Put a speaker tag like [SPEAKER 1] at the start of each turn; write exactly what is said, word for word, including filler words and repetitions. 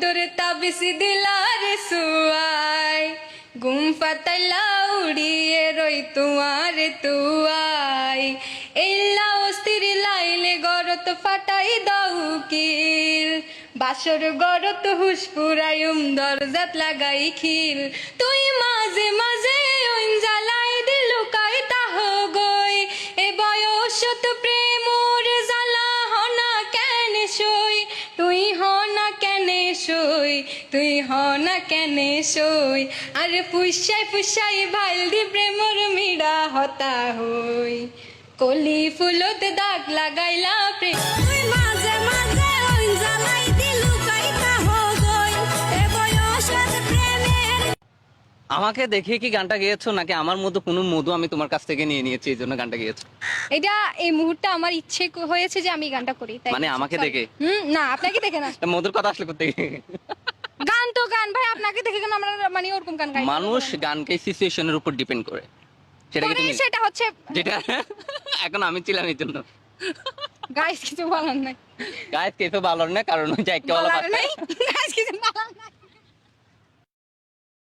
[SPEAKER 1] তোরে তাবিসি দিলারে সুয়াই গুম ফাতাইলা উড়িয়ে রই তুয়ারে তুয়াই এল্লা অস্থির লাইলে গরত ফাটাই দাও কিল বাসর গরত হুসপুরায়ুম দরজাত লাগাই খিল তুই মাঝে মাঝে ওইন জ্বালাই দিলু কাই তাহ গই এ বয়সত প্রেমর জ্বালা হনা কেন সই তুই হনা কেন সই তুই হনা কেন সই আরে ফুসাই ফুসাই ভাইল দি প্রেমর মিড়া হতা হই কলি ফুলত দাগ লাগাইলা প্রেম
[SPEAKER 2] তুই মাঝে মাঝে ওই জ্বালাই দিলু কাইতা হগই এ বয়সের প্রেমের।
[SPEAKER 3] আমাকে দেখে কি গানটা গেয়েছো নাকি আমার মতো কোনো মধু আমি তোমার কাছ থেকে নিয়ে নিয়েছি এই জন্য গানটা গেয়েছো?
[SPEAKER 1] এটা এই মুহূর্তে আমার ইচ্ছে ক- হয়েছে যে আমি গানটা করি তাই
[SPEAKER 3] মানে আমাকে
[SPEAKER 1] Sorry.
[SPEAKER 3] দেখে?
[SPEAKER 1] হুম না আপনাকে দেখে না
[SPEAKER 3] তা মধুর কথা আসলে করতে
[SPEAKER 1] গান তো গান ভাই আপনাকে দেখে কেন আমরা মানে ওরকম গান গাই
[SPEAKER 3] মানুষ গানকে সিচুয়েশনের উপর ডিপেন্ড করে, সেটা কি
[SPEAKER 1] পরে
[SPEAKER 3] তুমি
[SPEAKER 1] সেটা হচ্ছে
[SPEAKER 3] যেটা এখন আমি ছিলাম এই জন্য
[SPEAKER 1] গাইস কিছু বলার নাই
[SPEAKER 3] গায়ে কে তো ভালো না, কারণ ওই যে একটা
[SPEAKER 1] বলার নাই গাইস কিছু না